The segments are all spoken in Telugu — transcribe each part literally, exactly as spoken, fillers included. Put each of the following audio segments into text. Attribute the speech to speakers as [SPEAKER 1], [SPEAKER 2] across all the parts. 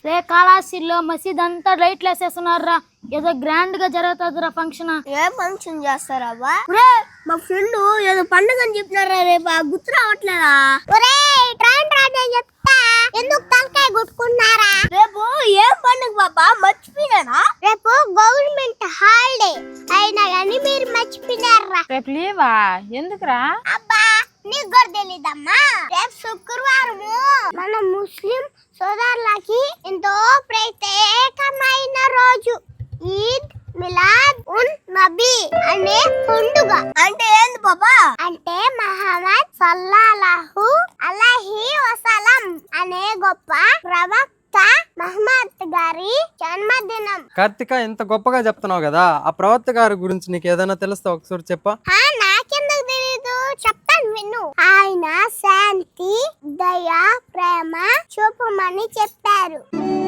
[SPEAKER 1] రే కాళాశీల్లో మసీద్ అంతా లైట్లు వేసేస్తున్నారా, ఏదో గ్రాండ్ గా జరుగుతుందిరా ఫంక్షన్.
[SPEAKER 2] ఏ ఫంక్షన్ చేస్తారా? మా ఫ్రెండ్ ఏదో పండుగ అని చెప్పినారా, రేపు గుర్తు రావట్లేదా? చెప్తా, ఎందుకు తలకాయ కొట్టుకున్నారా? రేపు ఏం పండుగ బాబా, మర్చిపోయినా? రేపు గవర్నమెంట్ హాలిడే అయినా కానీ మీరు మర్చిపోయినారా?
[SPEAKER 3] రేపు లీవా? ఎందుకురా?
[SPEAKER 2] అబ్బా నీకు కూడా తెలీదమ్మా, రేపు శుక్రవారము మన ముస్లిం సోదరులకి ఎంతో ప్రత్యేకమైన రోజు, ఈద్ మిలాద్ ఉన్ నబీ అనే పండుగ. అంటే ఏంది బాబా? అంటే మహమ్మద్ సల్లల్లాహు అలైహి వసల్లం అనే గొప్ప ప్రవక్త మహమ్మద్ గారి జన్మదినం.
[SPEAKER 4] కార్తిక, ఇంత గొప్పగా చెప్తున్నావు కదా, ఆ ప్రవక్త గారి గురించి నీకు ఏదైనా తెలుస్తా ఒకసారి చెప్పా?
[SPEAKER 2] నాకెందుకు తెలీదు, చెప్తాను విను. ఆయన శాంతి, దయ, ప్రేమ చూపమని చెప్పారు.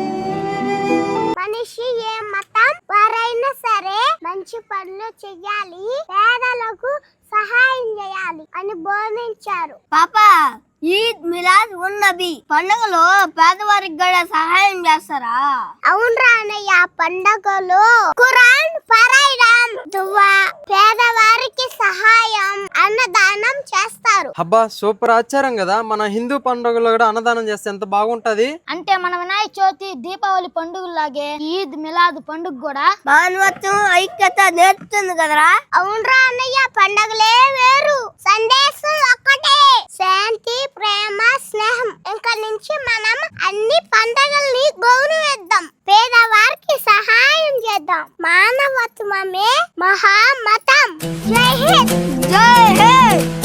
[SPEAKER 2] మనిషి ఏ మతం వారైనా సరే మంచి పనులు చెయ్యాలి, పేదలకు సహాయం చేయాలి అని బోధించారు. పాపా, ఈద్ మిలాద్ ఉన్ నబీ పండుగలో పేదవారికి కూడా సహాయం చేస్తారా? అవునరా అన్నయ్య, పండుగలో ఖురాన్ పారాయణం, దువా, పేదవారికి సహాయం, అన్నదానం చేస్తారు.
[SPEAKER 4] అబ్బా సూపర్, ఆశ్చర్యం కదా. మన హిందూ పండుగలో కూడా అన్నదానం చేస్తే ఎంత బాగుంటది.
[SPEAKER 1] అంటే మన వినాయక చవితి, దీపావళి పండుగలాగే ఈద్ మిలాద్ పండుగ కూడా
[SPEAKER 2] మానవత్వం, ఐక్యత నేర్పుతుంది కదరా? అవునరా అన్నయ్య, పండుగలే వేరు, సందేశం ఒక్కటే, శాంతి, ప్రేమ, స్నేహం. ఇంకా నుంచి మనం అన్ని పండుగల్ని గౌరవిద్దాం, పేదవారికి సహాయం చేద్దాం. మానవత్వమే మహామతం. జై హింద్, జై హింద్.